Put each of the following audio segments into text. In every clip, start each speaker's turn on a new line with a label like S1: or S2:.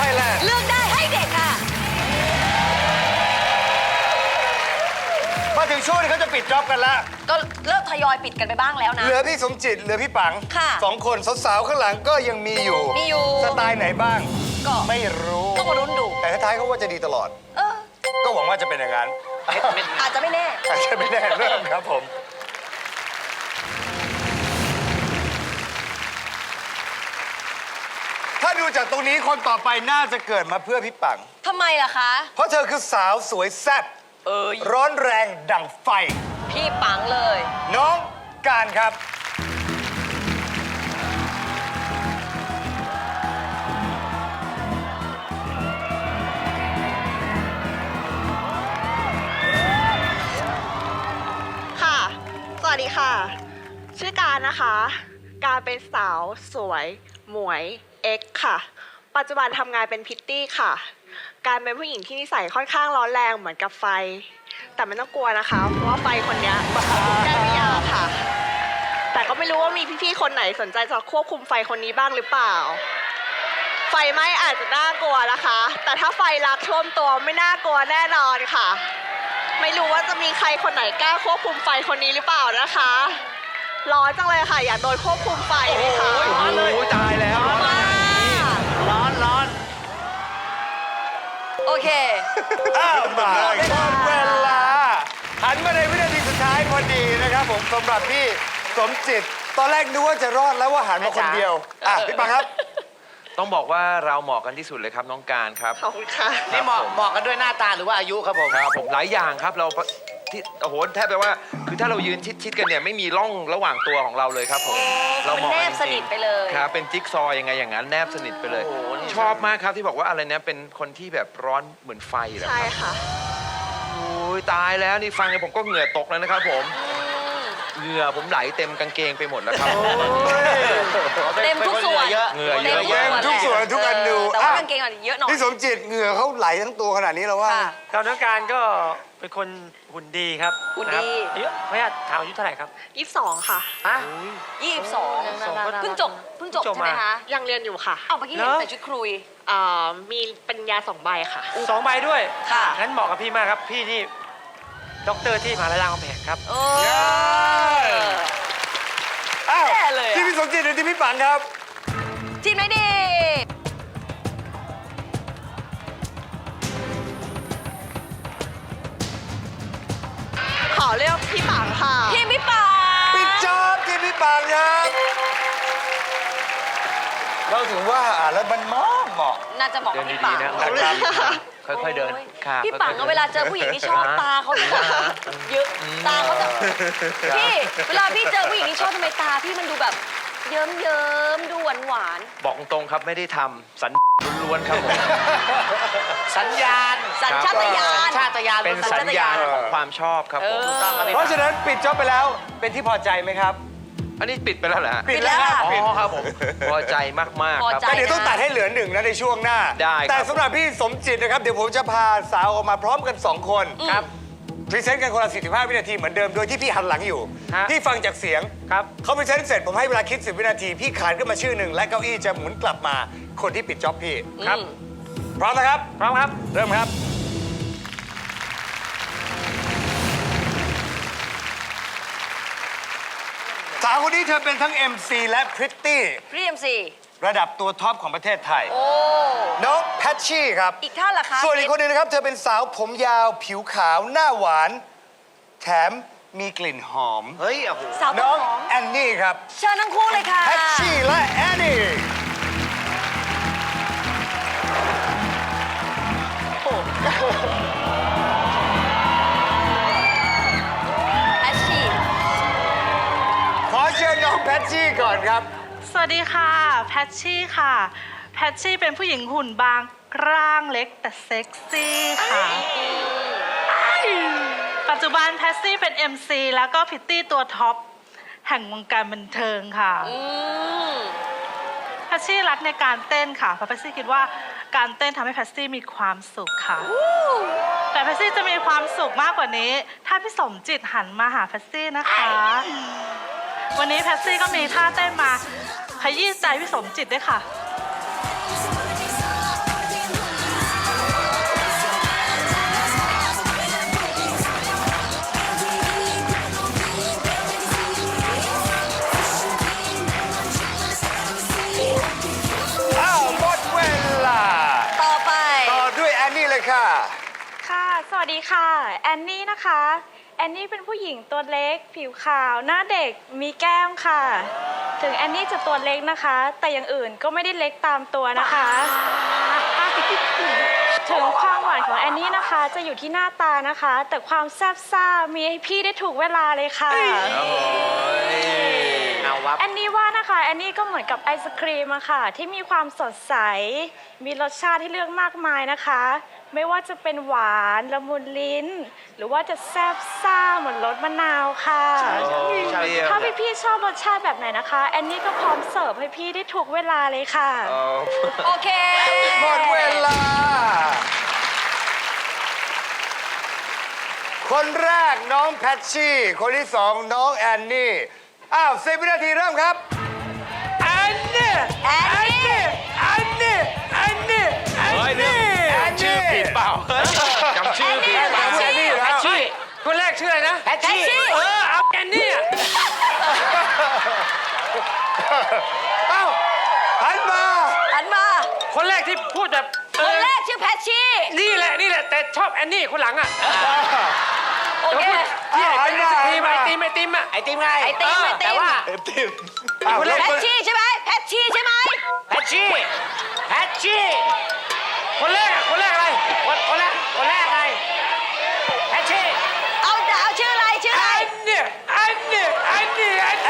S1: Thailand
S2: เลือกได้ให้เด็กค่ะ
S1: มาถึงช่วงที่เขาจะปิดจ็อบกันแล้ว
S2: ก็เริ่มทยอยปิดกันไปบ้างแล้วนะ
S1: เหลือพี่สมจิตเหลือพี่ปัง
S2: ค่ะ
S1: 2 คนสาวๆข้างหลังก็ยังมีอยู่
S2: มีอยู่
S1: สไตล์ไหนบ้าง
S2: ก็
S1: ไม่รู้
S2: ต้องมาลุ้นดู
S1: แต่ท้ายๆเขาว่าจะดีตลอด
S2: เออ
S1: ก็หวังว่าจะเป็นอย่างนั้น
S2: อาจจะไม่แน่
S1: อาจจะไม่แน่เริ่มครับผม ถ้าดูจากตรงนี้คนต่อไปน่าจะเกิดมาเพื่อพี่ปัง
S2: ทำไมล่ะคะ
S1: เพราะเธอคือสาวสวยแซ่บ
S2: เอ้ย
S1: ร้อนแรงดั่งไฟ
S2: พี่ปังเลย
S1: น้องการครับ
S3: ค่ะ สวัสดีค่ะ ชื่อการนะคะ การเป็นสาวสวย หมวย เอ็กค่ะ ปัจจุบันทำงานเป็นพิตตี้ค่ะ การเป็นผู้หญิงที่นิสัยค่อนข้างร้อนแรงเหมือนกับไฟ แต่ไม่ต้องกลัวนะคะ เพราะว่าไฟคนเนี้ยได้ไม่ยาวค่ะ แต่ก็ไม่รู้ว่ามีพี่ๆคนไหนสนใจจะควบคุมไฟคนนี้บ้างหรือเปล่า ไฟไหม้อาจจะน่ากลัวนะคะ แต่ถ้าไฟลักท่วมตัวไม่น่ากลัวแน่นอนค่ะ ไม่รู้ว่าจะมีใครคนไหนกล้าควบคุมไฟคนนี้หรือเปล่านะคะ ร้อนจังเลยค่ะ อยากโดนควบคุมไฟไหมคะ
S4: ร้อนเลยตายแล้ว
S2: มา
S4: ร้อน
S2: โอเค
S1: อ้าวมาหมดเวลา หันมาในวินาทีสุดท้ายพอดีนะครับผมสำหรับพี่สมจิต ตอนแรกนึกว่าจะรอดแล้วว่าหันมาคนเดียว อ่ะ พี่ปังครับ
S4: ต้องบอกว่าเราเหมาะกันที่สุดเลยครับน้องการครับ
S3: ขอบคุณค่ะ
S5: นี่เหมาะกันด้วยหน้าตาหรือว่าอายุครับผม
S4: ครับผมหลายอย่างครับเราที่โอ้โหแทบไปว่าคือถ้าเรายืนชิดๆกันเนี่ยไม่มีร่องระหว่างตัวของเราเลยครับผม
S2: มันแนบสนิทไปเลย
S4: ครับเป็นจิ๊กซอว์ยังไงอย่างนั้นแนบสนิทไปเลย ชอบมากครับที่บอกว่าอะไรนะเป็นคนที่แบบร้อนเหมือนไฟเหรอ
S3: ใช่
S4: ครับ
S3: ค่ะ
S4: โอ้ยตายแล้วนี่ฟังเนี่ยผมก็เหงื่อตกแล้วนะครับผมเหงื่อผมไหลเต็มกางเกงไปหมดแล้วครับ
S2: เต็มทุกส่วน
S4: เหงื่อเยอะ
S1: เต็มทุกส่วนทุกอนู
S2: แต่ว่ากางเกงอ่ะเยอะหน่อย
S1: พี่สมจิตเหงื่อเขาไหลทั้งตัวขนาดนี้แล้วว่า
S2: ค่ะ
S6: ครับน้องการก็เป็นคนหุ่นดีครับ
S2: หุ่นดี
S6: ะครับอายุไม่อยากถามอายุเท่าไหร่ครับ
S3: 22 ค่ะ
S6: ฮะ
S2: 22เพิ่งจบใช่ไหมคะ
S3: ยังเรียนอยู่ค่ะ
S2: เอาเมื่อกี้เห็นแต่ชุดคุย
S3: มีปริญญา2 ใบค่ะ
S6: 2 ใบด้วย
S2: ค่ะ
S6: งั้นเหมาะกับพี่มากครับ พี่นี่ด็อกเตอร์ที่มหาลัยรามคำแหงครับ
S2: เอ
S1: เย้
S2: อ
S1: อ้าว
S2: แย่เลยอะ
S1: ที่พี่สมจิตหรือที่พี่ปังครับ
S2: ทีมไหนดี
S3: ขอเลือกพี่ปังค่ะ
S2: ทีมพี่ปัง
S1: ปิดจอบที่พี่ปังครับ เราถึงว่าแล้วมันเหมาะ
S2: น่าจะบอก
S4: เดิ
S2: กับ
S4: น
S2: พี่
S4: ดี
S2: ปัง
S4: ๆนะ
S1: นะครับ
S4: ค่อยๆเดิน
S2: โอ้ย
S4: ค่ะ
S2: พี่ปัง
S4: ค่อยๆ
S2: เวลาเจอผู้หญิงที่ชอบตาเขาจะเยอะตาเขาจะพี่เวลาพี่เจอผู้หญิงที่ชอบทำไมตาพี่มันดูแบบเยิ้มดูหวาน
S4: บอกตรงๆครับไม่ได้ทำสัญล้วนๆครับผม
S5: สัญญาณ
S2: ๆสัญชาตญาณ
S5: ชาตญาณ
S4: เป็นสัญญาณของความชอบครับผม
S2: เออ
S5: ถูกต้องครับพี่
S1: เพราะฉะนั้นปิดจอบไปแล้วเป็นที่พอใจไหมครับ
S4: อันนี้ปิดไปแล้วเหรอฮะ
S1: ปิดแล้วครับ
S4: อ๋
S1: ปิด
S4: อครับผมพอใจมากๆ
S2: พอ
S4: ครับ
S2: ใจ
S1: แต่เดี๋ยวต้องตัดให้เหลือ1นะในช่วงหน้า
S4: ได้ครับ
S1: แต่สำหรับพี่สมจิตนะครับ เดี๋ยวผมจะพาสาวออกมาพร้อมกัน 2 คนครับพรีเซนต์กันคนละ45 วินาทีเหมือนเดิมโดยที่พี่หันหลังอยู่
S6: ฮะ
S1: พี่ฟังจากเสียง
S6: ครับ
S1: เขาพรีเซนต์เสร็จผมให้เวลาคิด 10 วินาที พี่ขานขึ้นมาชื่อหนึ่งและเก้าอี้จะหมุนกลับมาคนที่ปิดจ็อบพี่
S6: ครับ
S1: พร้อมนะครับ
S6: พร้อมครับ
S1: เริ่มครับ สาวคนนี้เธอเป็นทั้ง MC และพริตตี้
S2: พี่เอ็มซี
S1: ระดับตัวท็อปของประเทศไทย
S2: โอ้
S1: น้องแพชชี่ครับ
S2: อีกท่านล่ะคะ
S1: ส่วนอีกคนหนึงนะครับ เธอเป็นสาวผมยาวผิวขาวหน้าหวาน แถมมีกลิ่นหอม
S5: เฮ้ยโอ้โห
S2: สาวต้
S1: น้
S2: น
S1: อง
S2: หอม
S1: แอนนี่ครับ
S2: เชิญทั้งคู่เลยค่ะ
S1: แพชชี่และแอนนี่
S2: แพชชี่
S1: ขอเชิญน้องแพชชี่ก่อนครับ
S7: สวัสดีค่ะ แพชชี่ค่ะ แพชชี่เป็นผู้หญิงหุ่นบางร่างเล็กแต่เซ็กซี่ค่ะ ปัจจุบันแพชชี่เป็น MC แล้วก็พิตตี้ตัวท็อปแห่งวงการบันเทิงค่ะ แพชชี่รักในการเต้นค่ะเพราะแพชชี่คิดว่าการเต้นทำให้แพชชี่มีความสุขค่ะ แต่แพชชี่จะมีความสุขมากกว่านี้ ถ้าพี่สมจิตหันมาหาแพชชี่นะคะ วันนี้แพชชี่ก็มีท่าเต้นมาขยี้ใจพี่สมจิตด้วยค่ะ
S8: วัสดีค่ะ แอนนี่นะคะ แอนนี่เป็นผู้หญิงตัวเล็ก ผิวขาว หน้าเด็ก มีแก้มค่ะ ถึงแอนนี่จะตัวเล็กนะคะ แต่อย่างอื่นก็ไม่ได้เล็กตามตัวนะคะ ถึงความหวานของแอนนี่นะคะ จะอยู่ที่หน้าตานะคะ แต่ความแซ่บซ่ามีให้พี่ได้ถูกเวลาเลยค่ะ
S5: เอาวับ
S8: แอนนี่ว่านะคะแอนนี่ก็เหมือนกับไอศครีมอะค่ะ ที่มีความสดใส มีรสชาติให้เลือกมากมายนะคะ ไม่ว่าจะเป็นหวานละมุนลิ้น หรือว่าจะแซ่บซ่าเหมือนรสมะนาวค่ะ ถ้าพี่ๆชอบรสชาติแบบไหนนะคะแอนนี่ก็พร้อมเสิร์ฟให้พี่ได้ถูกเวลาเลยค่ะ
S2: โอเค
S1: หมดเวลา คนแรกน้องแพชชี่ คนที่สองน้องแอนนี่ อ้าว10 วินาทีเริ่มครับ
S6: แอนนี่
S2: แอนนี่
S6: แอนนี่แอนนี่แอนนี่
S1: แอนนี่
S4: ชื่อผิดเปล่าจำชื่อผิดเปล่า
S1: แอนนี่
S5: แพชชี่
S6: คนแรกชื่ออะไรนะ
S5: แพชชี่
S6: เอาแอนนี่อะ
S1: เอ้าหันมา
S2: หันมา
S6: คนแรกที่พูดแบบ
S2: คนแรกชื่อแพชชี่
S6: นี่แหละแต่ชอบแอนนี่คนหลังอ่ะ
S2: โอเค
S6: พี่เป็นไอศครีมไอติมอ่ะ
S5: ไอติมไง
S2: ไอติมไอติม
S5: แต่ว่า
S1: อ้าว
S6: คนแรก
S2: แพชชี่ใช่ไหมแพชชี่ใช่ไหม
S5: แพชชี่แพชชี่
S6: คนแรกอะไร
S5: คนแรกไงแพชชี่
S2: เอาชื่ออะไรชื่ออะไร
S6: แอนนี่แอนนี่
S2: แอน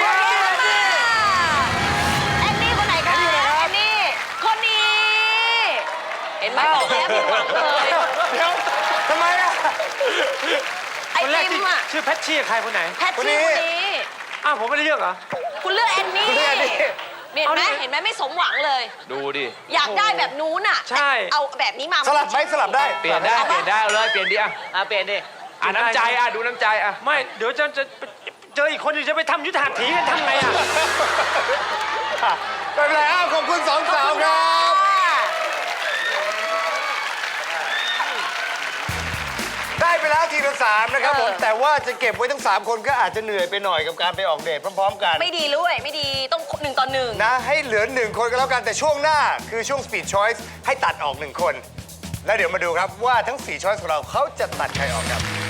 S2: นี่คนไหนคะแอนนี่คนนี้ เห็นไหมบอกแล้วผิดหวังเลย
S1: เดี๋ยวทำไมอ่ะ
S2: ไอ
S6: คนแรก
S2: ติ
S6: ที่
S2: มอะ
S6: ชื่อแพชชี่ใครคนไหน
S2: แพชชี่คนนี้
S6: อ้าวผมไม่ได้เลือกเหรอ
S2: คุณเลือกแอนนี่
S1: คุณเลือกแอนนี่
S2: เห็นไหมเห็นไหมไม่สมหวังเลย
S4: ดูดิ
S2: อยากได้แบบนู้นอ่ะ
S6: ใช่
S2: เอาแบบนี้มา
S1: สลับไหมสลับได้
S4: เปลี่ยนได้เอาเลยเปลี่ยนดิอ่ะ
S5: เปลี่ยนดิ
S4: อ่ะน้ำใจอ่ะดูน้ำใจอ่ะ
S6: ไม่เดี๋ยวจะเจออีกคนอยู่จะไปทำยุทธหัตถีกันทำไงอ่ะ
S1: ไม่เป็นไรอ้าวขอบคุณสองสาวครับ ได้ไปแล้วทีละ3นะครับผม แต่ว่าจะเก็บไว้ทั้ง 3 คนก็อาจจะเหนื่อยไปหน่อยกับการไปออกเดทพร้อม ๆ กัน
S2: ไม่ดีเลยไม่ดีต้อง1 ต่อ 1
S1: นะ ให้เหลือ 1 คนก็แล้วกันแต่ช่วงหน้าคือช่วง Speed Choice ให้ตัดออก 1 คน แล้วเดี๋ยวมาดูครับว่าทั้ง 4 ช้อยส์ของเราเขาจะตัดใครออกครับ